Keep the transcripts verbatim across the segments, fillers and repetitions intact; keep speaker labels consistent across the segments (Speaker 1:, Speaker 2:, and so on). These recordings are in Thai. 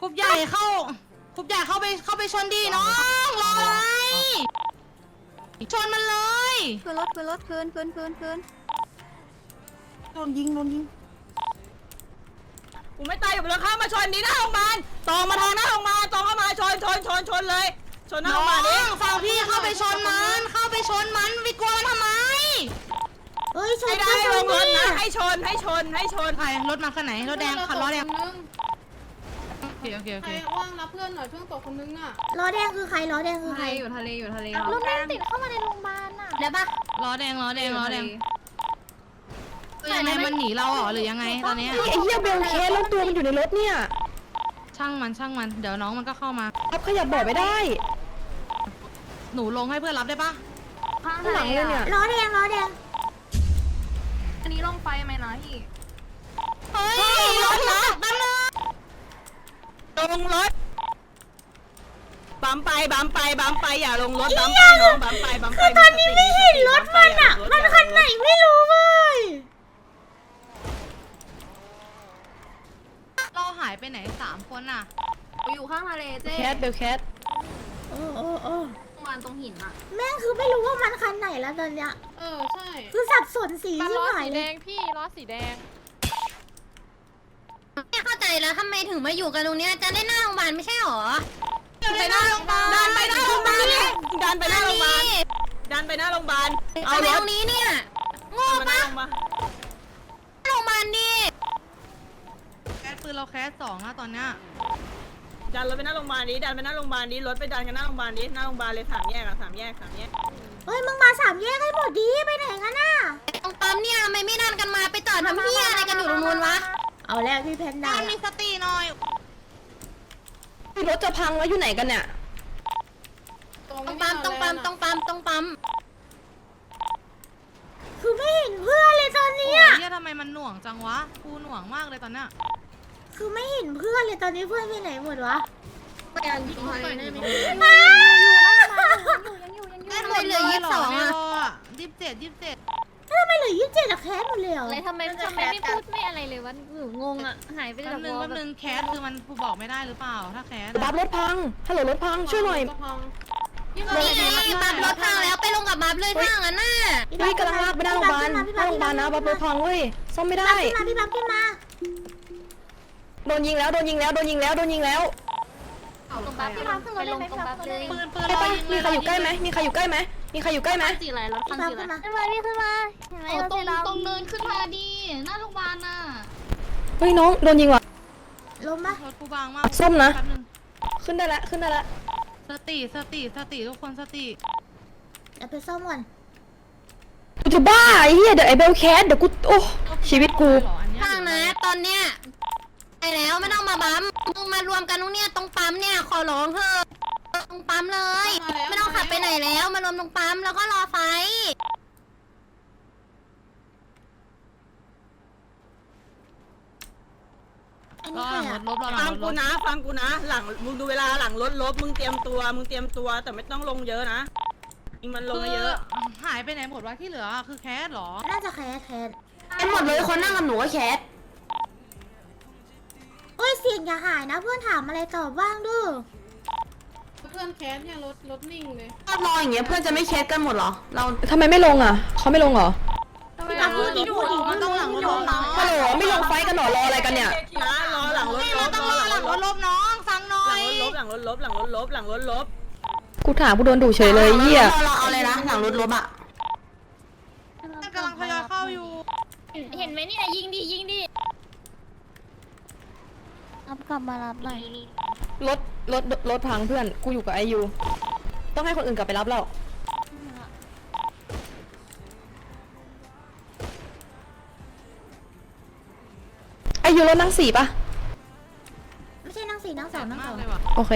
Speaker 1: รุ๊ปใหญ่เข้ากรุ๊ปใหญ่เข้าไปเข้าไปชนดีน้องรออะไรชนมันเลย
Speaker 2: คืนรถคืนรถคืนคืนคืนคืน
Speaker 1: โดนยิงโดนยิง
Speaker 3: กูไม่ตายอยู่บนหลังคามาชนนี้หน้าโรงพยาบาลตองมาทางหน้าโรงพยาบาลตองเข้ามาชนชนชนชนเลยชนหน้าโรงพยาบาลดิ
Speaker 1: ฟังพี่เข้าไปชนมันเข้าไปชนมันไปกลัวมันทำไม
Speaker 2: เฮ้ยช
Speaker 3: ไม่
Speaker 2: น
Speaker 3: ได้ลงรถนะให้ชนให้ชนให้ชน
Speaker 1: ใครรถมาคันไหนรถแดงคันล้อแดง
Speaker 4: นึง
Speaker 1: โอเคโอเคโอ
Speaker 4: ใคร
Speaker 1: เค
Speaker 4: ว่างรับเพื่อนหน่อยเพื่อนตกคนนึงอ่ะ
Speaker 2: ล้อแดงคือใครล้อแดงคือใคร
Speaker 4: อยู่ทะเลอยู่ทะเล
Speaker 2: รถแดงติดเข้ามาในโรงพยาบาลน่ะเดี๋ยวปะ
Speaker 1: ล้อแดงล้อแดงล้อแดงยังไงมันหนีเราเหรอหรือยังไงตอนนี้
Speaker 5: ไอ้เหี้ยเบลเคสแล้วตัวมันอยู่ในรถเนี่ย
Speaker 1: ช่างมันช่างมันเดี๋ยวน้องมันก็เข้ามา
Speaker 5: รับขยับบอกไม่ได้
Speaker 1: หนูลงให้เพื่อนรับได้ปะ
Speaker 4: ข้าง
Speaker 5: ข้างหลังเลยเนี่ย
Speaker 2: ล้อแดงล้อแดง
Speaker 4: อันนี้ลงไฟไหมนะพี่
Speaker 1: เฮ้ยรถนะแป๊บนึง
Speaker 3: ลงรถบัมไปบัมไปบัมไปอย่าลงรถบัมไปน้องบัมไปบัมไป
Speaker 2: คือตอนนี้ไม่เห็นรถมันอ่ะมันคันไหนไม่รู้เลย
Speaker 1: เราหายไปไหนสามคนอ่ะ
Speaker 4: อยู่ข้างทะเลเจ๊
Speaker 5: แคทเบลแคท
Speaker 2: โอ้โอ้โอ้
Speaker 4: มันตรงหินอ่ะ
Speaker 2: แม่งคือไม่รู้ว่ามันคันไหนแล้วตอนเนี้ย
Speaker 4: เออใช่
Speaker 2: คือสับสนสี
Speaker 6: มัน
Speaker 2: ที่
Speaker 6: ล้อ
Speaker 2: หาย
Speaker 6: สี
Speaker 2: เล
Speaker 6: แด
Speaker 2: ย
Speaker 6: งพี่ล้อสีแดง
Speaker 2: ไม่เข้าใจแล้วทำไมถึงมาอยู่กันตรงเนี้ยจะได้หน้าโรงพยาบาลไม่ใช่หรอ
Speaker 3: ไปหน้าโรงพยาบาลดันไปหน้าโรงพยาบาลนี่ดันไปหน้าโรงพยาบาลดันไปหน้าโรงพยาบาลเอา
Speaker 2: ทำไม
Speaker 3: ร
Speaker 2: ต
Speaker 3: ถ
Speaker 2: รงนี้เนี่ยโง่
Speaker 3: มาหน้า
Speaker 2: ปะ
Speaker 3: โรงพยาบาล
Speaker 2: โรงพยาบาลดิ
Speaker 1: แคสปืนเราแคสสองนะตอนเนี้ย
Speaker 3: ดันรถไปหน้าโรงพยาบาลนี้ดันไปหน้าโรงพยาบาลนี้รถไปดันกันหน้าโรงพยาบาลนี้หน้าโรงพยาบาลเลยสามแยกอะสามแยกสามแยก
Speaker 2: เฮ้ยมึงมาสามแยกให้หมดดิไปไหนกันน่ะตรงปั๊มเนี่ยทำไมไม่ดันกันมาไปต่อทำเพี้ยอะไรกันอยู่ตรงนู้นวะเอาแล้วพี่แพนด้า
Speaker 1: มีสติหน่อย
Speaker 5: รถจะพังแล้วอยู่ไหนกันเนี่ย
Speaker 4: ตรง
Speaker 2: ตรง
Speaker 4: นี้
Speaker 2: ปั๊มตรงปั๊มต
Speaker 4: ต
Speaker 2: ร
Speaker 4: รง
Speaker 2: งปั๊มตรงปั๊มคือไม่เห็นเพื่อนเลยตอน
Speaker 1: โอ้
Speaker 2: นี้
Speaker 1: ย
Speaker 2: อะ
Speaker 1: เหียทำไมมันหน่วงจังวะกูหน่วงมากเลยตอนเนี้ย
Speaker 2: คือไม่เห็นเพื่อนเลยตอนนี้เพื่อนไปไหนหมดวะ
Speaker 4: ตรงทะเลได้ไหม
Speaker 2: แค่หมดเหลือยี่สิบสอง
Speaker 1: ไม่
Speaker 2: อะ
Speaker 1: รออะยี่สิบเจ็ดยี่สิบเจ็ด
Speaker 2: ทำไมเหลือยี่สิบเจ็ดอะแคสหมดเลยเหรอ
Speaker 7: อะไรทำไมทำไมไม่พูดไม่อะไรเลยวะหนูงงอ่ะ หายไป
Speaker 1: แป๊
Speaker 7: จา
Speaker 1: บ
Speaker 7: ก
Speaker 1: นึง
Speaker 7: วอ
Speaker 1: แป๊บ
Speaker 7: แบ
Speaker 1: นึ
Speaker 7: บ
Speaker 1: งแคสคือมันบอกไม่ได้หรือเปล่าถ้าแคส
Speaker 5: บั
Speaker 1: อะ
Speaker 5: ฟรถพังฮัลโหลรถพังช่วยหน่อย
Speaker 2: นี่บับรถพังแล้วไปลงกับบับเลยถ้างั้นน่ะ
Speaker 5: เฮ้ยกำลังลากไปหน้าโรงพยาบาลหน้าโรงพยาบาลนะบัฟรถพังเว้ยซ่อมไม่ได้
Speaker 2: ขึ้นมาพี่บับขึ้นมา
Speaker 5: โดนยิงแล้วโดนยิงแล้วโดนยิงแล้วโดนยิงแล้ว
Speaker 7: ตรงบัฟพี่บัฟไปลงตรงบัฟเลย
Speaker 1: ปืนปืน
Speaker 5: ใช่
Speaker 1: รอ
Speaker 5: ปะ
Speaker 1: ยิง
Speaker 5: มีใครอยู่ใกล้ไหมมีใครอยู่ใกล้ไหมมีใครอยู่ใกล้ไหม
Speaker 7: จีไรรถ
Speaker 2: พี่บับขึ้นมา
Speaker 7: ขึ้นมาพี่ขึ้นมาเห็นไหมรถ
Speaker 6: ตรง
Speaker 7: สีดำ
Speaker 6: ตรงเนินขึ้นมาดีหน้าโรงพยาบาลน่ะ
Speaker 5: เฮ้ยน้องโดนยิงว่ะ
Speaker 2: ลมปะ
Speaker 1: รถกูบางมาก
Speaker 5: ส้มนะ
Speaker 1: แป๊บนึง
Speaker 5: ขึ้นได้ละขึ้นได้ละ
Speaker 1: สติสติสติทุกคนสติ
Speaker 2: เดี๋ยวไปซ่อมก่อน
Speaker 5: กูจะบ้าไอ้เหี้ยเดี๋ยวไอ้เบลแคสเดี๋ยวกูโอ้ชีวิตกู
Speaker 1: เหรออันเนี้ย
Speaker 2: ฟังนะตอนเนี้ยไปแล้วไม่ต้องมาบัมมึงมารวมกันตรงเนี้ยตรงปั๊มเนี่ยขอร้องเถอะตรงปั๊มเลย ไม่ต้องขับไปไหนแล้วมารวมตรงปั๊มแล้วก็รอไฟ อัน
Speaker 1: ร
Speaker 2: นี้
Speaker 1: อ
Speaker 2: ใค
Speaker 1: ห
Speaker 2: ร
Speaker 1: ลังร
Speaker 2: อะ
Speaker 1: ถลบรอหลั
Speaker 3: ฟั
Speaker 1: ง
Speaker 3: ง
Speaker 1: รถล
Speaker 3: กู
Speaker 1: บ
Speaker 3: นะฟังกูนะหลังมึงดูเวลาหลังรถลบมึงเตรียมตัวมึงเตรียมตัวแต่ไม่ต้องลงเยอะนะยิงมันลงเยอะ
Speaker 1: คือหายไปไหนหมดวะที่เหลือคือแคสเหรอ
Speaker 2: น่าจะแคสแคส
Speaker 5: ไอ้หมดเลยคนนั่งกับหนูก็แคส
Speaker 2: โอ้ยเสียงอย่าหายนะเพื่อนถามอะไรตอบบ้างดู
Speaker 4: เพื่อนแคสเนี่ยรถรถนิ่งเลย
Speaker 5: รออย่างเงี้ยเพื่อนจะไม่แคสกันหมดเหรอเราทำไมไม่ลงอ่ะเขาไม่ลงเหรอ
Speaker 2: พี่บับพูดดิพูดดิ
Speaker 1: มันต้องหลังรถลบน้อง
Speaker 5: ฮัลโหลไม่ลงไฟกันหรอรออะไรกันเนี่ย
Speaker 3: นะรอหลังรถ
Speaker 1: ไม่
Speaker 3: ล
Speaker 1: เรา
Speaker 3: บ
Speaker 1: ต้อง
Speaker 3: ร
Speaker 1: ร
Speaker 3: อ
Speaker 1: อ
Speaker 3: ห
Speaker 1: ห
Speaker 3: ลั
Speaker 1: ลั
Speaker 3: ง
Speaker 1: ง
Speaker 3: ร
Speaker 1: ร
Speaker 3: ถ
Speaker 1: ถ
Speaker 3: ล
Speaker 1: ล
Speaker 3: บบ
Speaker 1: น้องฟังหน่อ
Speaker 3: หลั
Speaker 1: ย
Speaker 3: งรถลบหลังรถลบหลังรถลบหลังรถลบ
Speaker 5: กูถามกูโดนดุเฉยเลยเหี้ย
Speaker 2: เราเอาเลยนะหลังรถลบอะ
Speaker 1: มันกำลังทยอยเข้าอยู่
Speaker 7: เห็นไหมนี่นะยิงดิยิงดิรับกลับมารับหน่อย
Speaker 5: รถรถรถพังเพื่อนกูอยู่กับไอยูต้องให้คนอื่นกลับไปรับเราไอยูรถนั่งสี่ปะ
Speaker 2: ไม่ใช่นั่งสี่นั่งสองนั่งส
Speaker 1: มา
Speaker 2: อก ง
Speaker 1: เลยว่ะ
Speaker 5: โอเค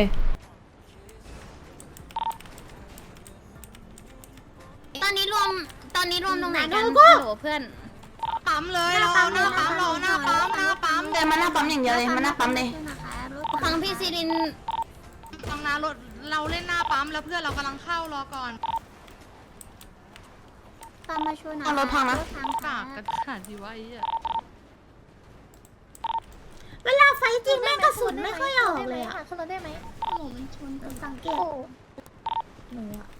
Speaker 2: ตอนนี้รวมตอนนี้รวมตรงไหนกัน
Speaker 7: โอ้โหเพื่อน
Speaker 1: ปั๊มเลยเราหน้าปั๊มเราหน้าปั๊มหน้าปั๊ม
Speaker 2: เดินมาหน้าปั๊มอย่างเดียวเลยมาหน้าปั๊มเลยฟังพี่ซีริน
Speaker 1: ฟังนะรถเราเล่นหน้าปั๊มแล้วเพื่อนเรากำลังเข้ารอก่อน
Speaker 7: ตามมาช่วยนะ
Speaker 2: เอารถพังนะ
Speaker 1: กากกันขนาดที่ว่าไอ้เหี้ย
Speaker 8: เวลาไฟจริงแม่งกระสุนไม่ค่อยออกเลยอะ
Speaker 7: ขึ้นรถได้ไหม
Speaker 6: โอ้โหมันชนกัน
Speaker 8: สังเกตหนูอะ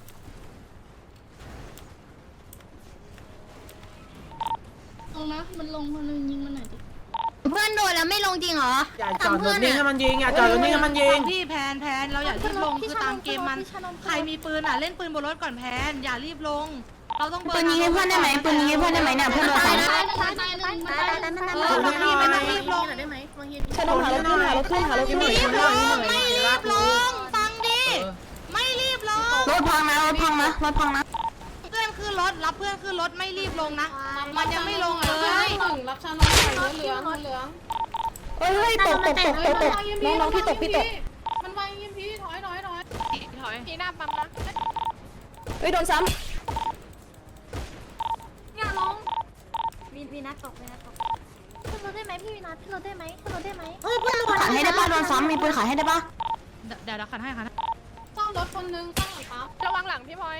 Speaker 6: ลงนะ มันลงคนนึงยิงมันหน่อยดิ
Speaker 2: เพื่อนโดนแล้วไม่ลงจริงเหรอ
Speaker 3: อย่าจอดรถนิ่งให้มันยิงอย่าจอดรถนิ่งให้มันยิง
Speaker 1: พี่แพนแพนเราอย่ารีบลงคือตามเกมมันใครมีปืนอ่ะเล่นปืนบนรถก่อนแพนอย่ารีบลง เราต้อง
Speaker 5: ปืนยิงให้เพื่อนได้ไหมปืนยิงให้เพื่อนได้ไหมเนี่ยเพื่อนโดน
Speaker 6: ตา
Speaker 5: สาย ย
Speaker 6: หนึ่งตายตายหนึ่งมันตายหนึ่ง
Speaker 1: เออบางทีไม่ต้องรีบลง
Speaker 4: ได้ไหมบางที
Speaker 5: ชนมหารถขึ้นหารถขึ้นหารถขึ้น
Speaker 1: ไม่รีบลงไม่รีบลงฟังดิไม่รีบลง
Speaker 5: รถพังนะรถพังนะรถพังนะ
Speaker 1: เพื่อนขึ้นรถรับเพื่อนขึ้นรถไม่รีบลงนะมันยังไม่ลงเล
Speaker 4: ห
Speaker 1: ย
Speaker 4: นึ่งรับชาน้องหน่อยเหลืองเหลือง
Speaker 5: เฮ้ยตกตกตกตกตกน้องน้องพี่ตกพี่ตก
Speaker 4: มันวางยิมพีถอยถอยถอย
Speaker 6: ถอยพี่หน้าปั๊มนะ
Speaker 5: เฮ้ยโดนซ้
Speaker 7: อย่าลงวีวีนัทตกวีนัทตกขึ้นรถได้ไหมพี่วีนัทขึ้นรถได้ไหมขึ้นรถได้ไหม
Speaker 8: เฮ้ยเพื่อนโดน
Speaker 5: ำขายให้ได้ป่ะโดนซ้ำมีปืนขายให้ได้ป่ะ
Speaker 1: เดี๋ยวเดี๋ยวขันให้ขัน
Speaker 4: ซ่อมรถคนนึงซ่อมปั๊ม
Speaker 6: ระวังหลังพี่พลอย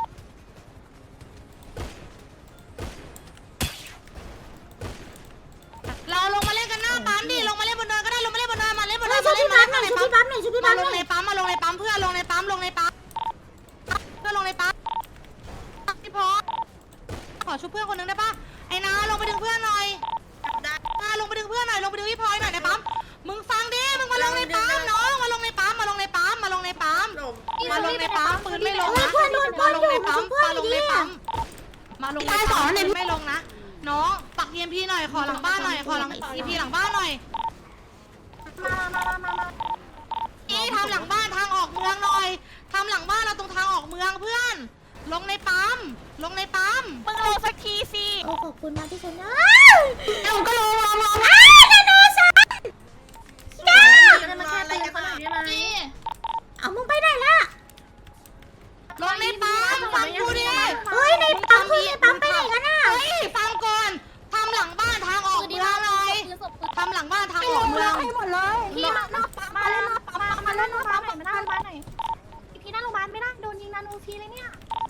Speaker 1: เราลงมาเล่นกันหน้าปั๊มดิลงมาเล่นบนเนินก็ได้ลงมาเล่นบนเนินมาเล่นบนเนิ
Speaker 8: เฮ้ย
Speaker 1: น
Speaker 8: ช่ว
Speaker 1: มาย เล่
Speaker 8: พี่
Speaker 1: นบ
Speaker 8: ปั๊
Speaker 1: น
Speaker 8: มห
Speaker 1: เนิ
Speaker 8: น่อย
Speaker 1: น
Speaker 8: ช่วยพี่ปั๊มหน่อยช่วยพี่
Speaker 1: มา
Speaker 8: ปั๊มห
Speaker 1: ล
Speaker 8: น่
Speaker 1: ง
Speaker 8: อย
Speaker 1: ในปั๊มมาลงในปั๊มเพื่อลงในปั๊มลงในปั๊มเพื่อลงในปั๊มพี่พอขอชุบเพื่อนคนนึงได้ปะไอ้นาลงไปดึงเพื่อนหน่อยนาลงไปดึงเพื่อนหน่อยลงไปดึงพี่พลอยหน่อยในปั๊มมึงฟังดิมึงมาลงในปั๊มน้องมาลงในปั๊มมาลงในปั๊มมาลงในปั๊มมาลงในปั๊มปืนไม่ลงนะมาลงในปั๊มมาลงในปั๊มมาลงในปั๊มปืนไม่ลงนะน้องปักเอ็มพีหน่อยขอหลังบ้านหน่อยขอหลังอีพีหลังบ้านหน่อย
Speaker 7: มามามามามา
Speaker 1: นี่ทำหลังบ้านทางออกเมืองหน่อยทำหลังบ้านเราตรงทางออกเมืองเพื่อน ลงในปั๊มลงในปั๊มมึงลงสักทีสิ
Speaker 8: โอ้ขอบคุณนะที่ชนะ
Speaker 1: เอ้าก็ลงลงลง
Speaker 8: อ้าวนาโนซันจ้า
Speaker 4: จะมาแค่ตีกันหน่อยได้ไหม
Speaker 6: นี่
Speaker 8: เอามึงไปไหนล่ะ
Speaker 1: ลงในปั๊มฟังกูดิ
Speaker 8: เฮ้ยในปั๊มคือในปั๊มไปไหนกันน่ะ
Speaker 1: เฮ้ยฟังก่อนทำหลังบ้านทางออกเมืองหน่อย
Speaker 6: ปืนศพปืน
Speaker 1: ทำหลังบ้านทางออกเมือง
Speaker 8: ให้หมดเลย
Speaker 7: พี่มาหน้าปั๊มมาเล่นหน้าปั๊มมาเล่นหน้าปั๊มหน่อยมาหน้าโรงพยาบาลหน่อยพี่หน้าโรงพยาบาลไม่ได้โดนยิงนานูพีเลยเนี่ย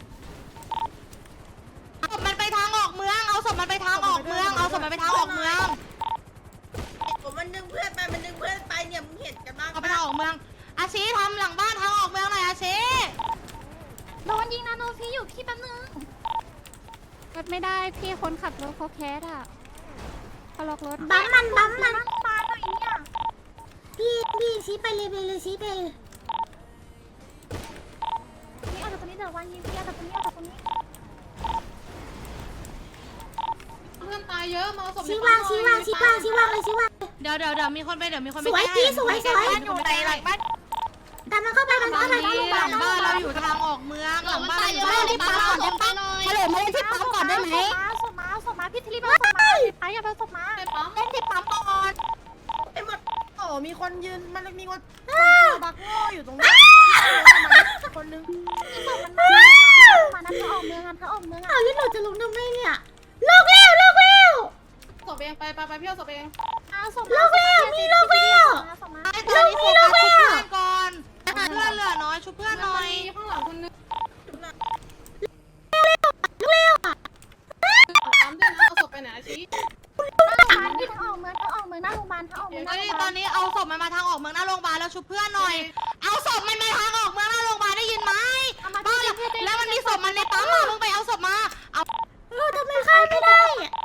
Speaker 1: ศพมันไปทางออกเมืองเอาศพมันไปทางออกเมืองเอาศพมันไปทางออกเมือง
Speaker 3: ผมมันดึงเพื่อนไปมันดึงเพื่อนไปเนี่ยมึงเห็นกันบ้าง
Speaker 1: เอาไปทางออกเมืองอาชีทำหลังบ้านทางออกเมืองหน่อยอาชี
Speaker 7: โดนยิงนานูพีอยู่พี่แป๊บนึงรถไม่ได้พี่คนขับรถเขาแคสอ่ะเขาล็อกรถ
Speaker 8: ปั๊มมันปั๊มมัน
Speaker 7: มาหน่อยเนี่ย
Speaker 8: พี่พี่ชี้ไปเลยไปเลยชี้ไปเลย
Speaker 7: พี่เอาจากตรงนี้เดี๋ยววันยิงพี่เอาจากตรงนี้เอาจากตรงนี้
Speaker 4: เพื่อนตายเยอะมาศพ
Speaker 8: ชี้วางชี้วางชี้วางชี้วางเลยชี้วาง
Speaker 1: เดี๋ยวเดี๋ยวเดี๋ยวมีคนไปเดี๋ยวมีคนไป
Speaker 8: สวย
Speaker 1: แก้
Speaker 8: พี่สวยสวย
Speaker 1: อยู่ในหลังบ้าน
Speaker 8: แต่มันเข้าไปมัน
Speaker 1: ตอ
Speaker 8: เข้าน ไป
Speaker 1: นี้หลังบ้านเราอยู่ทางออกเมืองหลังบ้านเราอยู่ทางออกเมือง
Speaker 6: ไปหน่อย
Speaker 8: ฮัลโหลมาเล่นที่ปั๊มก่อนได้ไหม
Speaker 7: ศพมาศพมาพี่ทลีบเอาศพมาไปอย่าไปศพมา
Speaker 4: ในปั๊ม
Speaker 8: เล่นที่ปั๊มก่อน
Speaker 3: ไอ้หมดโอ้มีคนยืนมันมีคน
Speaker 8: บักโง่อยู่ตรงนี้คนนึง
Speaker 7: มานะเขาออกเมืองกันเขาออกเมือง
Speaker 8: อ้าวแล้วหนูจะลงทำไมเนี่ยลูกเร็วลูกเร็ว
Speaker 4: ศพเองไปไปไปพี่เอาศพเอง
Speaker 7: อ่ะศพ
Speaker 8: ลูกเร็วมีลูกเร็ว
Speaker 7: ศพมา
Speaker 1: ไอ้ตอนนี้โฟกัสชุบเพื่อนก่อนเพื่อนเหลือน้อยชุบเพื่อนหน่อย
Speaker 4: มีข้างหลังคนนึง
Speaker 8: ลูกเร็วอ่ะ
Speaker 4: ปั๊มด้วยนะเอาศพไปไหนชี้
Speaker 7: พี่ทั้งออกเมืองทั้งออกเมืองหน้าโรงพยาบาลทั้งออกเมืองห
Speaker 1: ตอ
Speaker 7: น้าน โร
Speaker 1: นี้
Speaker 7: งพยา
Speaker 1: ต
Speaker 7: บา
Speaker 1: อ
Speaker 7: ล
Speaker 1: นนี้เอาศพมันมาทางออกเมืองหน้าโรงพยาบาลแล้วชุบเพื่อนหน่อย เอาศพมันมาทางออกเมืองหน้าโรงพยาบาลได้ยินไหมบ้าแล้วมันมีศพมันในปั๊มอ่ะมึงไปเอาศพมาเอา
Speaker 8: เออทำไมใครไม่ได้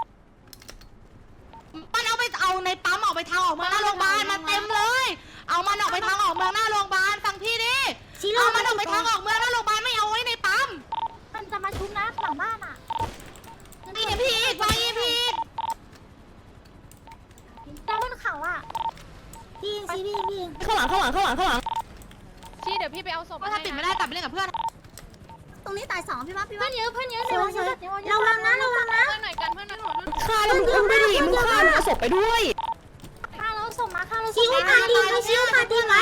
Speaker 1: มันเอาไปเอาในปั๊มออกไปทางออกเมืองหน้าโรงพยาบาลมาเต็มเลย เอามันออกไปทางออกเมืองหน้าโรงพยาบาลฟังพี่ดิ
Speaker 8: ชี้ลู
Speaker 1: เอา
Speaker 8: ก
Speaker 1: มันออกไปทางออกเมืองหน้าโรงพยาบาลไม่เอาไว้ในปั๊ม
Speaker 7: มันจะมาชุบนะหลังบ้านอ่ะ
Speaker 1: นี่พี่อีกวางอีพี่อีก
Speaker 7: แต่บนเขาอ่ะ
Speaker 8: พี่ชี้พี่พี่
Speaker 5: ข้างหลังข้างหลังข้างหลังข้างหลัง
Speaker 6: ชี้เดี๋ยวพี่ไปเอาศพ
Speaker 1: ก็ถ้าติดไม่ได้กลับไปเล่นกับเพื่อน
Speaker 8: ตรงนี้ตายสองพี่ว่าพี่
Speaker 7: เพื่
Speaker 8: ว่า
Speaker 7: อนเยอะเพื่อนเยอะ
Speaker 8: สวยสวยระวังนะระวังนะ
Speaker 6: เพื่อนหน่อยกันเพื่อนหน่อย
Speaker 5: ฆ่าแล้วมึงอุ้มด้วยดิมึงฆ่ามึงเอาศพไปด้วย
Speaker 7: ข้าเราส่งมาข้าเรา
Speaker 8: ชี้อุปาทีไว้ชี้อุปาทีไว้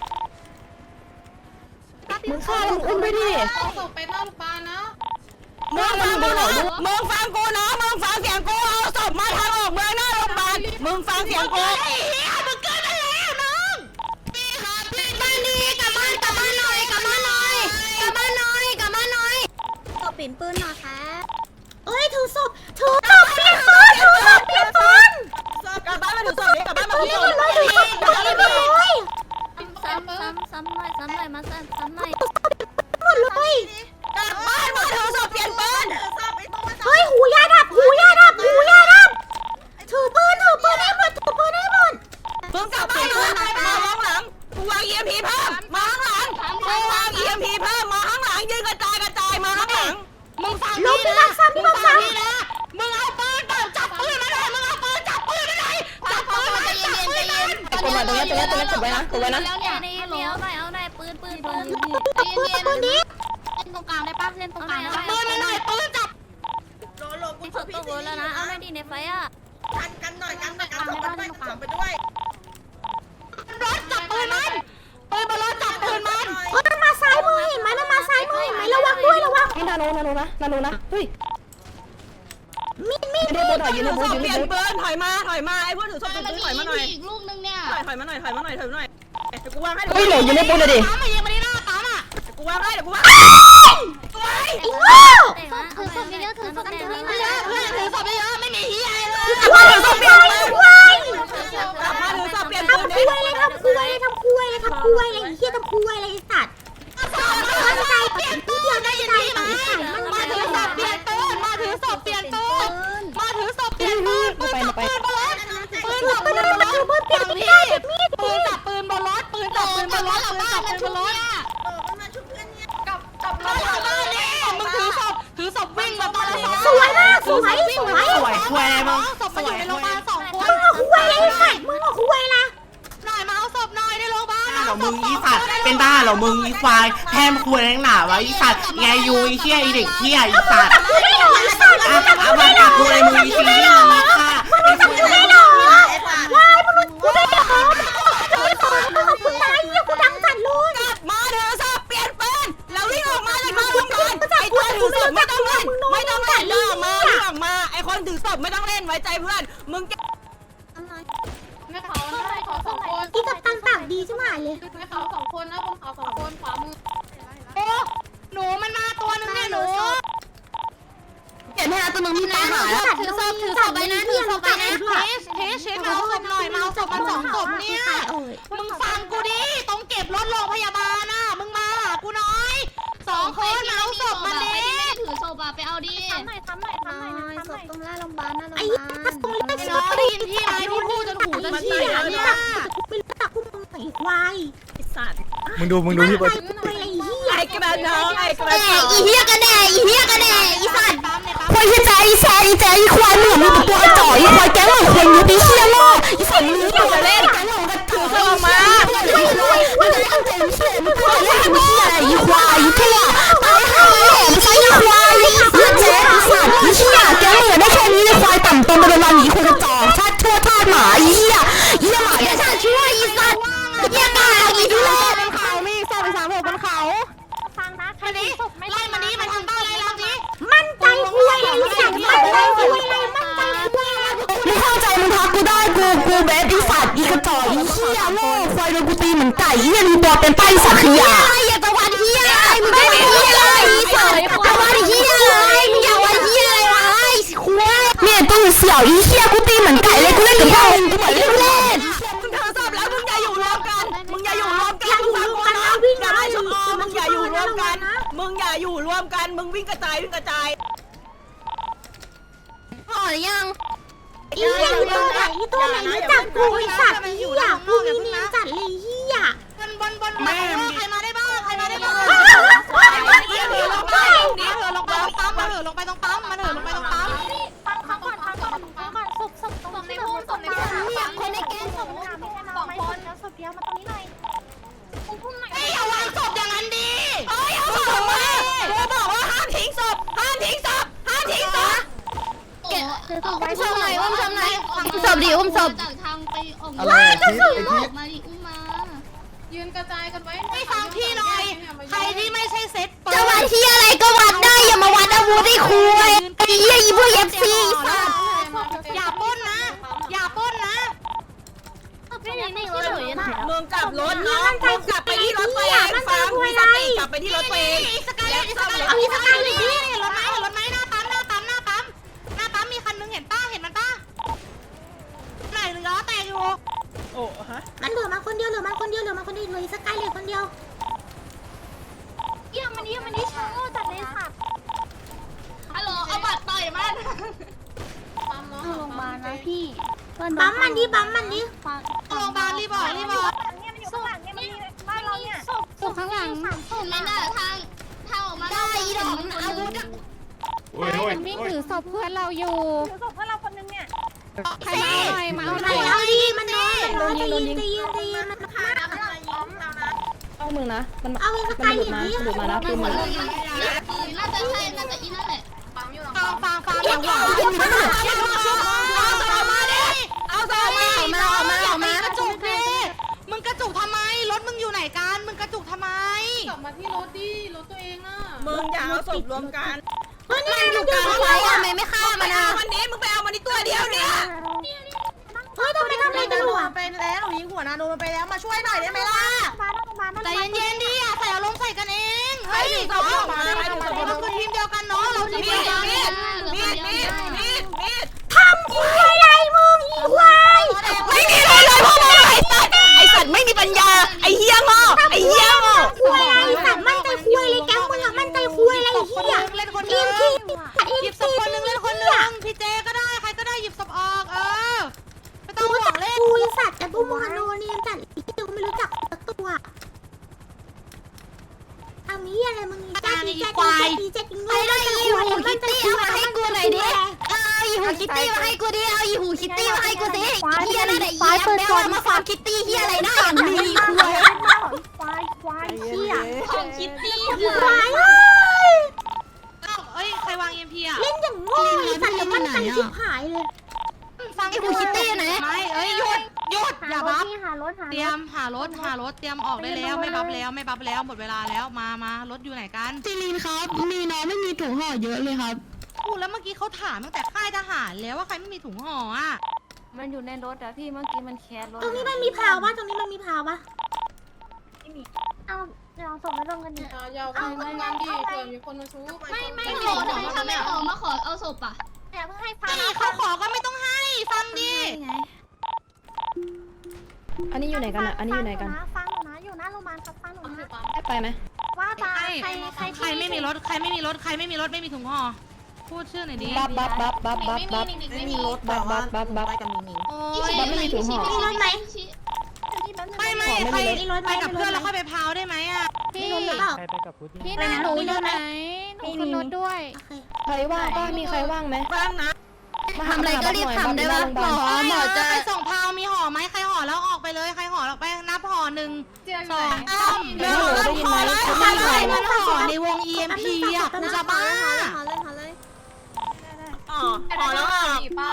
Speaker 5: มึงฆ่าแล้วมึงอุ้มด้วยดิ
Speaker 4: เอาศพไปหน้าโรงพยาบาลนะ
Speaker 3: มึงฟังกูนะมึงฟังกูนะมึงฟังเสียงกูเอาศพมาทางออกเมืองหน้าโรงพยาบาลมึงฟังเสียงกู
Speaker 1: ไอ้เหี้ยมึงเกินไปแล้วน้องพี่ครับพี่บ้านดีกลับบ้านกลับบ้านหน่อยกลับบ้านหน่อยกลับบ้านหน่อยกลับบ้านหน่อย
Speaker 8: ตบปิ่นปืนหน่อยค่ะเอ้ยถือศพถือศพเปลี่ยนปืนถือศพเปลี่ยนปืน
Speaker 3: กลับบ้านมาถือศพดิกลับบ้านมาถือศพ
Speaker 8: ถือ
Speaker 2: ซ้ำซ้ำหน่อยซ้ำหน่อยมาซ้ำซ้ำหน่อย
Speaker 3: หมดเลยกลับบ้านมาเธอสอบเปลี่ยนปืน
Speaker 8: เฮ้ยหูยาดับหูยาดับหูยาดับถือปืนถือปืนให้หมดถือปืนให้หมด
Speaker 3: มึงกลับบ้านมามาข้างหลังกูวาง อี เอ็ม พี เพิ่มมาข้างหลังกูวาง อี เอ็ม พี เพิ่มมาข้างหลังยืนกระจายกระจายมาข้างหลัง
Speaker 1: มึงฟัง
Speaker 8: ลงพี่บักซ้ำพี่บักซ้
Speaker 1: นี่นะมึงเอาปืนเปิดจับปืนมาเลยมึงเอาปืนจับปืนมาเลยจับปืนมา
Speaker 2: ใจ
Speaker 1: จับ
Speaker 2: เย็น
Speaker 1: ปื
Speaker 2: ใจ
Speaker 1: น
Speaker 2: เย็
Speaker 1: มาน
Speaker 5: กดมาตรงนี้ตรงนี้ตรงนี้กดไว้นะกดไว้นะ
Speaker 2: แล้วเนี่ยนี่เลี้ยวหน่อยเอาหน่อยปืนปืนปืน
Speaker 8: ำปืนปืนนี้
Speaker 7: เล่นตรงกลางได้ปะเล่นตรงกลางได้
Speaker 1: จับ
Speaker 7: ปะ
Speaker 1: ปืนมาหน่อยปืนจับ
Speaker 2: มีศพตกรถแล้วนะเอาหน่อยดิในไฟอ่ะ
Speaker 1: รถจับปืนมันปืนบนรถจับปืนมัน
Speaker 8: เฮ้ยมันมาซ้ายมือเห็นไหมมันมาซ้ายมือเห็นไหมระวังด้วยระวัง
Speaker 5: นี่นาโนนาโนนะนาโนนะเฮ้ย
Speaker 8: มีดมีด
Speaker 5: ยืนในโบถอยยืนในโบ
Speaker 3: ถือศ
Speaker 5: ยื
Speaker 3: พ
Speaker 5: น
Speaker 3: เป
Speaker 5: ใน
Speaker 3: ลี่ยน
Speaker 5: โบ
Speaker 3: ปืนถอยมาถอยมาไอ้พวกถือศพเปลี่ยนปืนถอยมาหน่อย
Speaker 6: อีกลูกนึงเนี่ย
Speaker 3: ถอยถอยมาหน่อยถอยมาหน่อยถอยมาหน่อยเดี๋ยวกูวางให้
Speaker 5: เฮ้ยเหลยยืนในโบเลยดิ
Speaker 1: ปั๊มมายิงมาที่หน้าปั๊มอ่ะ
Speaker 3: เดี๋ยวกูวางให้เดี๋ยวกูวางสวย
Speaker 8: ไอ้โง่
Speaker 2: แต่ว่าเอาศพเยอะๆถือศพเยอะ
Speaker 1: เพื่อนเพื่อนถือศพเยอะๆไม่มีเฮียเลย
Speaker 8: ว่าถือศพเปลี่ยนปืนควาย
Speaker 3: กลับมาถือศพเปลี่ยน
Speaker 8: ทำ
Speaker 3: ปืน
Speaker 8: คุยเลยทำคุยเลยทำคุยเลยทำคุยเลยไอ้เหี้ยทำคุยเลยไอ้สัตว์มันใจเปลี่ยนปืนได้ยินพี่ไหมมัน
Speaker 1: มา
Speaker 8: มา
Speaker 1: ถื
Speaker 8: ถื
Speaker 1: อ
Speaker 8: อ
Speaker 1: ศ
Speaker 8: ศ
Speaker 1: พ
Speaker 8: พ
Speaker 1: เป
Speaker 8: เป
Speaker 1: ลี่
Speaker 8: ลี่
Speaker 1: ย
Speaker 8: ย
Speaker 1: น
Speaker 8: น
Speaker 1: ปืนมาถือศพเปลี่ยนปืนมาถือศพเปลี่ยนปืนปืนจับปืนบนรถปืนจับปืนบนรถฝั่งพี่ปืนจับปืนบนรถปืนจับปืนบนรถปืนจับปืนบนรถกับกับรถกลับบ้านนี่มึงถือศพถือศพวิ่งมาตอนละ
Speaker 8: สวยมากสวยสวย
Speaker 1: สวยคุยอะไรมั้งศพมาอยู่ในโรงพยาบาลสองคน
Speaker 8: มึงเอาคุยเลยไอ้สัตว์มึงเอาคุยละ
Speaker 1: หน่อยมาเอาศพหน่อยในโรงพยาบาล
Speaker 9: เหรอมึงอีสัตว์เป็นบ้าเหรอมึงอีควายแพมคุยแรงหนาวะอีสัตว์ไงยูอีเชี่ยอีเด็กเชี่ยอีสัตว์
Speaker 8: กูไม่หรอกไอ้สัตว์
Speaker 9: อ่ะเอามากับคุยมึงอีซีรีส์มึงค่ะ
Speaker 8: กูไม่หรอกวายมนุษย์กูไม่หรอกกูไม่หรอกมึงเอาคุณตายเหี้ยกูดังจัดเลย
Speaker 3: กลับมาถือศพเปลี่ยนปืนแล้ววิ่งออกมาจากบ้านโรงพยาบาลไอ้ตัวถือศพไม่ต้องเล่นไม่ต้องเล่นเดินออกมาวิ่งออกมาไอ้คนถือศพไม่ต้องเล่นไว้ใจเพื่อนมึง
Speaker 6: แม่เขาแม่เขาสองคน
Speaker 8: อีกับตังปากดีใช่ไหมเลย
Speaker 6: แม่เขาสองคนนะบนเขาสองคนขวามือ
Speaker 1: โอ้หนูมันมาตัวนึงเนี่ยหนู
Speaker 5: เห็นไหมนะตัวมึงมีตาหาแล้ว
Speaker 2: ถือศพถือศพไปนะถือศพไปนะ
Speaker 1: เทสเทสเทสมาเอาศพหน่อยมาเอาศพมาสองศพเนี่ยมึงฟังกูดิต้องเก็บรถโรงพยาบาลน่ะมึงมาหากูน้อยสองคนมาเอาศพมาดิ
Speaker 6: ถือโซบะไปเอาดิ
Speaker 7: ทำหน่อยทำหน่อยทำหน่อยทำหน่อย
Speaker 2: ตรงหน้าโรงพยาบาลหน้าโรงพ
Speaker 8: ไอ้
Speaker 2: ยาบาล
Speaker 8: ตรงเล็ก
Speaker 1: ไอ้
Speaker 8: สิ
Speaker 1: น้องได้ยินพี่ไหมพี่พูดจนหูจะเฉี่ยเนี่ย
Speaker 8: ไม่รู้จักพวกมึงไอ้ควาย
Speaker 3: ไอ้สัตว์
Speaker 10: มึงดูมึงดูพี่
Speaker 8: ไป
Speaker 10: เบิร์ด
Speaker 8: ไปไอ้เหี้ย
Speaker 3: ไอ้กระน้องไอ้กระ
Speaker 2: แห
Speaker 3: น้อง
Speaker 2: อีเหี้ยกันแน่อีเหี้ยกันแน่อีสัตว์
Speaker 1: ปั๊มในปั๊ม
Speaker 5: ควายเฮียใจอีแซอีแจอีควายเหมือนมึงตัวกระจอกอีควายแก๊งหลังควายยูปีเชี่ยโง่อีสัตว์มึงอยู่จะเล่นแก๊งหลังกระถือเข้ามาไม่รวยไม่ได้ตั้งใจเชี่ยมึงควายเล่นมึงเชี่ยอีควายอีเที่ยตายห่าแหลมใช้อีควายอีแจ๊อีสัตว์อีเชี่ยแก๊งเหลือได้แค่นี้เลยควายต่ำตรงไปเป็นวันอีควายกระจอกชาติชั่วชาติหมาอีเหี้ยอีหมาเนี่ยชาติชั่วอีสัตว์เหี้ยกาอีทุเรศ
Speaker 1: บนเขามีศพไปสามศพบนเขา
Speaker 7: ฟังนะใคร
Speaker 1: มาดิ
Speaker 7: ศพไม่
Speaker 1: ไล่มานี้มาทางบ้านเลยเราดิ
Speaker 8: มั่นใจคุยเลยสัตว์มั่นใจคุยเลยมั่นใจคุยเลย
Speaker 5: มึงเข้าใจมึงทักกูได้กูกูเบสอีสัตว์อีกระจอกอีเหี้ยโง่ควายโดนกูตีเหมือนไก่อีเหี้ยมีตัวเป็นป้ายสัตว์ขยะ
Speaker 2: ไอ้อย่าตะวันเหี้ยอะไรมึงไม่เหี้ยอะไรอีสัตว์ตะวันเหี้ยอะไรมึงอย่าวันเหี้ยอะไรวะไอ้ควาย
Speaker 5: เนี่ยตัวเสี่ยวอีเหี้ยกูตีเหมือนไก่เลยกูเล่นกับพวกมึงกูเหมือนเล่นเล่น
Speaker 3: มึงถือศพแล้วมึงอย่าอยู่รวมกันมึงอย่าอยู่รวมกันมึงฟังกูนะอย่าไล่ชมอมึงอย่าอยู่รวมกันมึงอย่าอยู่รวมกันมึงวิ่งกระจายวิ่งกระจาย
Speaker 2: พอหรือยัง
Speaker 8: ไอ้เหี้ยอยู่ตรงไหนตัวไหนรู้จักกูไอ้สัตว์ไอ้เหี้ยกูมีเนียนจัดเลยเหี้ย
Speaker 1: บนบนบนมาใครมาได้บ้างใครมาได้บ้าง
Speaker 3: เดี๋ยว
Speaker 1: เหิน
Speaker 3: ล
Speaker 1: ล
Speaker 3: ง
Speaker 1: ง
Speaker 3: ไป
Speaker 1: ไปนี่เหินลงไปตรงปั๊มมาเหินลงไปตรงปั๊มมาเหินลงไปตรงปั๊ม
Speaker 7: ฟังฟังก่อนฟังก่อนฟังก่อนศพศพศพในพุ่มศพในพุ่มคนในแก๊งศพไม่ใช่สองคนแล้วศพเดียวมาตรงนี้หน่อยพุ่มพุ่มหน่อย
Speaker 1: ไอ้อย่าวางศพอย่างนั้นดิ
Speaker 3: เฮ้ยเอาศพมากูบอกว่าห้ามทิ้งศพห้ามทิ้งศพห้ามทิ้งศพ
Speaker 7: คือศพไว้
Speaker 2: อุ้มศพหน่อยอุ้มศพหน่อยอุ้มศพดิอุ้มศพ
Speaker 6: จากทางไปออก
Speaker 10: อะไรไอ้ทิศไอ้ทิศ
Speaker 6: มาดิอุ้มมา
Speaker 4: ยืนกระจายกันไว้
Speaker 1: ไม่ฟังพี่หน่อยใครที่ไม่ใช่เซ็ตเปิด
Speaker 2: จะวัดที่อะไรก็วัดได้อย่ามาวัดอาวุธไอ้คุยไอ้เหี้ยอีพวกเอฟซีสัตว์
Speaker 1: อย่าปล้นนะ อย่าปล้นนะ
Speaker 7: ไม่มีไม่รู้เลยนะ
Speaker 3: มึงกลับรถน้องมึงกลับไปที่รถตัวเองฟังมีสติกลับไปที่รถตัวเอง
Speaker 1: สกายเลยสกายเอาพี่สกายเลยพี่เห็นรถไหมเห็นรถไหมหน้าปั๊มหน้าปั๊มหน้าปั๊มหน้าปั๊มมีคันนึงเห็นป้าเห็นมันป้าไหนเหลือแต่อยู่
Speaker 3: โอ้ฮะ
Speaker 8: มันเหลือมาคนเดียวเหลือมาคนเดียวเหลือมาคนเดียวเหลือสกายเหลือคนเดียว
Speaker 6: เยี่ยมมันเยี่ยมมันนี่ช้าจัดเลยสัตว์
Speaker 2: ฮัลโหลเอาบัตรต่อยมัน
Speaker 4: ปั๊มเนาะ
Speaker 7: เข้าโรงพยาบาลนะพี่เพื่อนโด
Speaker 8: ปั๊มมันดิปั๊มมันดิ
Speaker 7: ฟัง
Speaker 1: โรงพยาบาลรีบบอกรีบบอก
Speaker 6: เนี่ยมันอยู่ข้างหลังเนี่ยมันมีบ้านเราเนี่ย
Speaker 7: ศพข้างหลัง
Speaker 2: เห็นไหมน่ะทางทางออกมาได้อีดอกอาวุธ
Speaker 7: ใช่มันวิ่งถือศพเพื่อนเราอยู่
Speaker 6: ถือศพเพื่อนเราคนนึงเนี่ย
Speaker 7: ใครมาเอาหน่อยมาเอาห
Speaker 8: ไหน
Speaker 7: น่อย
Speaker 8: เอาดิมันน้อยมันน้อยใจเย็นใจเย็นใจเย็นมันฆ่า
Speaker 5: เอามึงนะมัน
Speaker 8: เอาไอ้ส
Speaker 5: มัน
Speaker 8: กาย
Speaker 5: หลุ
Speaker 8: เห
Speaker 5: ด
Speaker 8: รียญ
Speaker 5: มา
Speaker 8: ดิ
Speaker 5: หลุดมานะคือมึง
Speaker 2: น่าจะใช่น่าจะอีนั่นแหละ
Speaker 1: ฟังฟังฟังอย่าหวังเอาสมาดิเอาสมาออกมาออกมาออกมากระจุกดิมึงกระจุกทำไมรถมึงอยู่ไหนกันมึงกระจุกทำไม
Speaker 4: กลับมาที่รถดิรถตัวเองอ่ะ
Speaker 3: มึงอย่าเอาศพรวมกัน
Speaker 8: เฮ้ยนี่
Speaker 2: อยู่กลางไฟทำไมไม่ฆ่ามันอ่ะ
Speaker 3: วันนี้มึงไปเอามันนี่ตัวเดียวเนี่ย
Speaker 8: เฮ้ยทำไมทำอะไรกันหรอ
Speaker 1: ไปแล้วยิงหัวนาโนมันไปแล้วมาช่วยหน่อยได้ไหมล่ะ
Speaker 6: มาแล้วมาแล้ว
Speaker 1: ใจเย็นๆดิอย่าใส่อารมณ์ใส่กันเองเฮ้ยน้องเราคือทีมเดียวกันเนาะเราทีม
Speaker 3: มี
Speaker 1: เดียว
Speaker 3: ด
Speaker 1: กัน
Speaker 3: มีดมีดมีดมีดมีด
Speaker 8: ทำคุยอะไรมึงอีควาย
Speaker 3: ไม่มีเลยเลยพวกมึงไอ้สัตว์ไอ้สัตว์ไม่มีปัญญาไอ้เหี้ยงอไอ้เหี้ยงอ
Speaker 8: คุยอะไรสัตว์มั่นใจคุยอะไรแกมึงอะมั่นใจคุยอะไรเหี้ย
Speaker 1: เล่นคน
Speaker 8: ที
Speaker 1: นึ
Speaker 8: ม
Speaker 1: ง
Speaker 8: ที่
Speaker 1: หยิบศพคนนึงเล่นคนนึงพี่เจก็ได้ใครก็ได้หยิบศพออกเออไม่ต้อง
Speaker 8: รู้
Speaker 1: ห่ว
Speaker 8: จั
Speaker 1: ง
Speaker 8: ก
Speaker 1: เล่น
Speaker 8: คุยสัตว์แต่พวกมึงอะโนเนียนจัดอีกตัวไม่รู้จักสักตัวทำนี้อะไรมึงแจ๊กแจ๊กแจ๊กแจ๊กโง่
Speaker 2: ไอ้ได้อีหูคิตตี้เอามาให้กูหน่อยดิเอาอีหูคิตตี้มาให้กูดิเอาอีหูคิตตี้มาให้กูสิเฮียน่าจะอีแอปแล้วมาฟาร์มคิตตี้เฮียอะไรได้อย่างนี้
Speaker 6: ควายควายเชี่ย
Speaker 2: ของคิตตี้
Speaker 8: ควาย
Speaker 1: เอ้ยใครวางเอ็มพีอ่ะ
Speaker 8: เล่นอย่างโง่สัตว์แต่มั่นใจชิบหายเลย
Speaker 1: ฟัง
Speaker 2: ไอ้หูคิตตี้ไหน
Speaker 1: ไม่เอ้ยหยุดหยุดอย่าบัฟ
Speaker 6: หารถหา
Speaker 1: เตรียมหารถหารถเตรียมออกได้แล้วไม่บัฟแล้วไม่บัฟแล้วหมดเวลาแล้วมามารถอยู่ไหนกัน
Speaker 5: ซีรีนครับมีน้องไม่มีถุงห่อเยอะเลยครับ
Speaker 1: พูดแล้วเมื่อกี้เขาถามตั้งแต่ค่ายทหารแล้วว่าใครไม่มีถุงห่ออ่ะ
Speaker 7: มันอยู่ในรถอะพี่เมื่อกี้มันแคสรถ
Speaker 8: ตรงนี้มันมีพาวปะตรงนี้มันมีพาวปะ
Speaker 6: เอาเราส่งไปลงกันดิ
Speaker 4: เอายาวกันทำงานดิเผื่อมีคนมาชู
Speaker 2: ไม่ไม่ขอทำไมทำไมออกมาขอเอาศพอ่ะ
Speaker 6: เดี๋ยวเพิ่งให้ฟัง
Speaker 1: นี่เขาขอก็ไม่ต้องให้ฟังดิ
Speaker 5: อันนี้อยู่ไหนกันอ่ะอันนี้อยู่ไหนกัน
Speaker 6: ฟังหนูนะอยู่หน้าโรงพยาบาลครับฟังหนูนะ
Speaker 5: ได้ไปไหม
Speaker 6: ว่าตาใครใคร
Speaker 1: ใครไม่มีรถใครไม่มีรถใครไม่มีรถไม่มีถุงห่อพูดชื่อหน่อยดิ
Speaker 5: บับบับบับบับบับบับ
Speaker 2: ไม่มีรถ
Speaker 5: บับบับบับบับ
Speaker 1: โอ้
Speaker 2: บับไม่มีถุงห่อ
Speaker 8: มีรถไหม
Speaker 1: ไม่ไม่ใครไปกับเพื่อนแล้วค่อยไปพาวได้ไหมอ่ะ
Speaker 7: พี่
Speaker 8: มีรถหรือเปล่า
Speaker 7: พี่นาหนูอยู่ไหนหนูขึ้นรถด้วย
Speaker 8: โอเค
Speaker 5: ใครว่างป้ามีใครว่างไหม
Speaker 3: บ้างนะ
Speaker 5: มา
Speaker 2: ทำอะไรก็รีบทำได้ปะหมอ
Speaker 1: อ๋อ
Speaker 2: ห
Speaker 1: ห
Speaker 2: ม
Speaker 1: ม
Speaker 2: อ
Speaker 1: อ
Speaker 2: จะ
Speaker 1: จะไปส่งพาวมีห่อไหมใครห่อแล้วออกไปเลยใครห่อแล้วไปนับห่อหนึ่งสองสามเร็วนับห่อแล้วใครใครมันห่อในวง อี เอ็ม พี อ่ะกูจะบ้า
Speaker 3: อ๋อห่อแล้วอ่ะ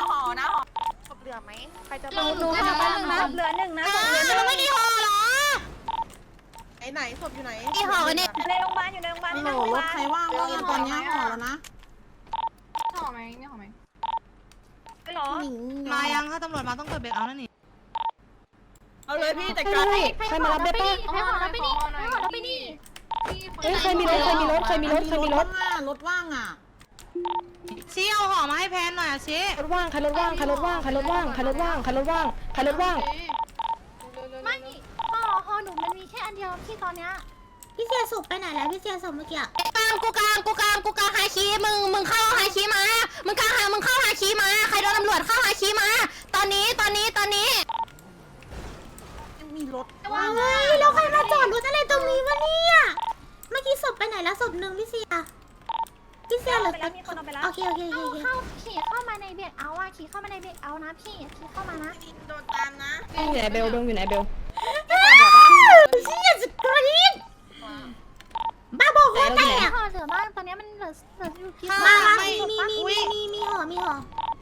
Speaker 7: หนูหนูหาแป๊บนึงนะ
Speaker 6: เหลือหนึ่งนะ
Speaker 1: อ้าวแล้วไม่มีห่อเหรอ
Speaker 2: ที่ห่อกันเนี่ย
Speaker 6: ในโรงพยาบาลอยู่ในโรงพยาบาล
Speaker 3: โหรถใครว่างว่างตอนนี้ห่อแล้วนะ
Speaker 6: ห่อไหมไม่ห่อไหมไม่หรอ
Speaker 1: มายังถ้าตำรวจมาต้องเปิดเบรกเอานั่นนี่
Speaker 3: เอาเลยพี่จัด
Speaker 5: ใคร
Speaker 3: การ
Speaker 5: ใครมารับได้ป้า
Speaker 6: ให้ห่อแล้วไปดิให้ห่อแล้วไปดิ
Speaker 5: เอ้ยใครมีรถใครมีรถใครมีรถใครมีรถ
Speaker 3: รถว่างอ่ะ
Speaker 1: ชี้เอาห่อมาให้แพนหน่อยอ่ะชี้
Speaker 5: รถว่างใครรถว่างใครรถว่างใครรถว่างใครรถว่างใครรถว่างใครรถว่าง
Speaker 6: ไม่ห่อห่อหนูมันมีแค่อันเดียวที่ตอนเนี้ย
Speaker 8: พี่เสียศพไปไหนแล้วพี่เสียศพเมื่อกี้
Speaker 2: กลางกูกลางกูกลางกูกลางฮาชีมึงมึงเข้าฮาชีมา มึงกลางหามึงเข้าฮาชีมา ใครโดนตำรวจเข้าฮาชีมา ตอนนี้ตอนนี้ตอนนี้
Speaker 8: ว้าวแล้วใครมาจอดรถอะไรตรงนี้วะเนี่ยเมื่อกี้ศพไปไหนแล้วศพหนึ่งพี่เสียพี่เสียเหรอ
Speaker 6: ไปแล้วมีคนเอาไปแล้ว
Speaker 8: โอเคโอเคโอ
Speaker 6: เอา
Speaker 8: เค
Speaker 6: เข้าขี่เข้ามาในเบรกเอาอะขี่เข้ามาในเบรกเอานะพี่ขี่เข้ามานะ
Speaker 3: โดนตามนะ
Speaker 5: อยู่ไหนเบลเบลอยู่ไหนเบล
Speaker 8: เสียสกรีนบ้าบอกว่าแต่
Speaker 6: ห่อเหลือบ้างตอนนี้มันเหลือเหลืออยู่กี่
Speaker 8: มามามีมีมีมีมีมีห่อมีห่อ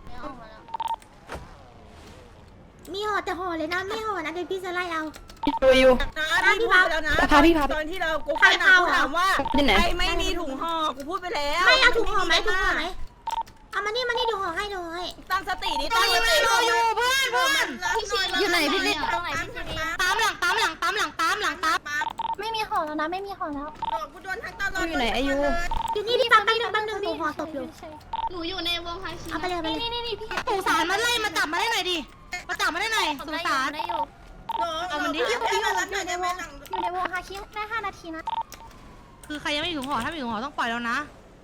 Speaker 8: มีห่อแต่ห่อเลยนะไม่ห่อนะเดี๋ยวพี่จะไล่เอา
Speaker 5: ดูอยู่
Speaker 3: นะพี่พูดไปแล้วนะ
Speaker 5: พาพี่พา
Speaker 3: ตอนที่เรากูพูดนะกูถามว่า
Speaker 5: ที่ไหน
Speaker 3: ใครไม่มีถุงห่อกูพูดไปแล้ว
Speaker 8: ไม่เอาถุงห่อไหมถุงห่อไหมเอามานี่มานี่เดี๋ยวห่อให้เดี๋ยวห่อให้
Speaker 3: ตั้งสติดิ
Speaker 1: ตอนนี้ไม่รออยู่เพื่อนเพื่อน
Speaker 2: อยู่ไหนพี่ลิศ
Speaker 6: ตรงไหนพี่จี
Speaker 1: ตามหลังตามหลังตามหลังตามหลังตาม
Speaker 6: ไม่มีห่อแล้วนะไม่มีห่อแล้ว
Speaker 3: กูโดนทั้งตลอด
Speaker 5: อยู่ไหนอายุ
Speaker 8: อยู่นี่พี่ปั๊มแป๊บนึงแป๊บนึงหนูห่อศพอยู่
Speaker 2: หนูอยู่ในวงฮาชี
Speaker 8: เอาไปเลยเอาไปเลย
Speaker 6: นี่นี่นี่พี่
Speaker 1: สงสารมันไล่มาจับมาได้หน่อยดิมาจับมาได้หน่อยสงสาร
Speaker 6: ได้อยู่
Speaker 1: เอามันดิ
Speaker 6: อยู่ในวงอยู่ในวงอยู่ในวงฮาคิได้ห้านาทีนะ
Speaker 1: คือใครยังไม่ถึงหอถ้าไม่ถึงหอต้องปล่อยแล้วนะ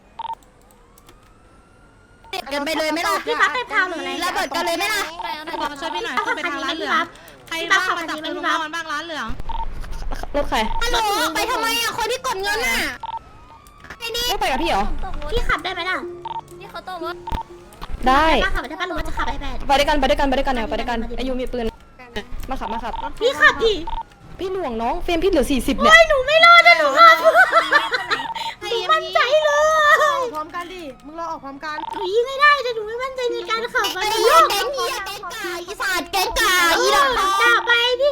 Speaker 2: กันไปเลยไหมล่ะ
Speaker 8: พี่พับไปพาวหรืออะไร
Speaker 2: ระเบิดกันเลยไหมล่ะ
Speaker 1: พี่บอลมาช่วยพี่หน่อยขึ้นไปทางร้านเหลืองใครบ้างมาจับปืนของมันบ้างร้านเหลือง
Speaker 5: รถใคร
Speaker 2: ฮัลโหลไปทำไมอ่ะคนที่กดเงินอ่ะไอ้นี่
Speaker 5: ไม่ไปกับพี่เหรอ
Speaker 8: พี่ขับได้ไหมล่ะ
Speaker 6: นี่เขาตกรถ
Speaker 5: ได้
Speaker 8: ป้าขับได้ป้ารู้ว่าจะขับไอแปด
Speaker 5: ไปด้วยกันไปด้วยกันไปด้วยกันเนี่ยไปด้วยกันอายุมีปืนมาขับมาขับ
Speaker 8: พี่ขับดิ
Speaker 5: พี่หน่วงน้องเฟรมพี่เหลือสี่สิบเนี่ย
Speaker 8: หนูไม่รอดนะหนูขับหนูมั่นใจเลย
Speaker 1: พร้อมกันดิมึงรอออกพร้อมกัน
Speaker 8: หนูยิงไม่ได้แต่หนูไม่มั่นใจในการขับ
Speaker 2: ไอ้
Speaker 8: มัน
Speaker 2: เหี้
Speaker 8: โย
Speaker 2: ย
Speaker 8: ก
Speaker 2: แก๊งเหี้ยแก๊งกาอีสานแก๊งกาอีดอกทอง
Speaker 8: ด่าไปดิ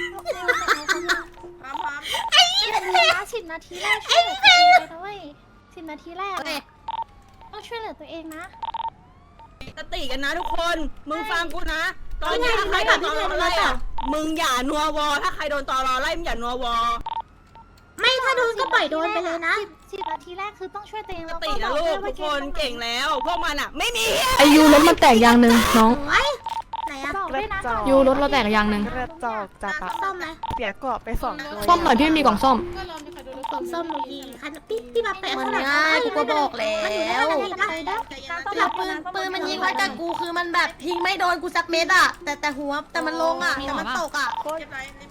Speaker 6: ไอ้สิบนาทีแรกช่วยเหลือตัวเองไปด้วยสิบนาทีแรกต้องช่วยเหลือตัวเองนะ
Speaker 3: สติกันนะทุกคน มึงฟังกูนะ ตอนนี้ใครโดนตอรอไล่อะมึงอย่านัววอ ถ้าใครโดนตอรอไล่มึงอย่านัววอ
Speaker 8: ไม่ถ้าโดนก็ปล่อยโดนไปเลยนะ
Speaker 6: สิบนาทีแรกคือต้องช่วยตัวเอง
Speaker 3: ส
Speaker 6: แล้วก็
Speaker 3: ติ
Speaker 6: บ
Speaker 3: นะ
Speaker 6: อก
Speaker 3: ลู
Speaker 6: ด้วย
Speaker 3: ก
Speaker 6: ว่า
Speaker 3: ทุกคนเก่งแล้ว พวกมันอะไม่มี
Speaker 5: อายุรถมันแตกยางหนึ่งน้อง
Speaker 8: โอ้ยไหนอะ
Speaker 6: บอกด้วยนะ
Speaker 5: ยูรถเราแตกยางหนึ่ง
Speaker 6: กระจอกจับ
Speaker 8: ซ่อมไหม
Speaker 5: ซ่อมหน่อยพี่มีกล่องซ่อม
Speaker 4: ก็ลองมีใครโดนรถ
Speaker 8: ผมซ่อมหนูยิงคันพี่พี่มาแปะ
Speaker 2: มัน
Speaker 8: ข้างหลัง
Speaker 2: ง่ายกูก็บอกแล้
Speaker 8: มันอยู่ได้
Speaker 2: ว
Speaker 8: ขนาดนี้นะ
Speaker 2: แล้วปืนปืนมันยิงมาจากกูคือมันแบบยิงไม่โดนกูสักเม็ดอ่ะแต่แต่หัวแต่มันลงอ่ะแต่มันตกอ่ะ
Speaker 3: เก็บไร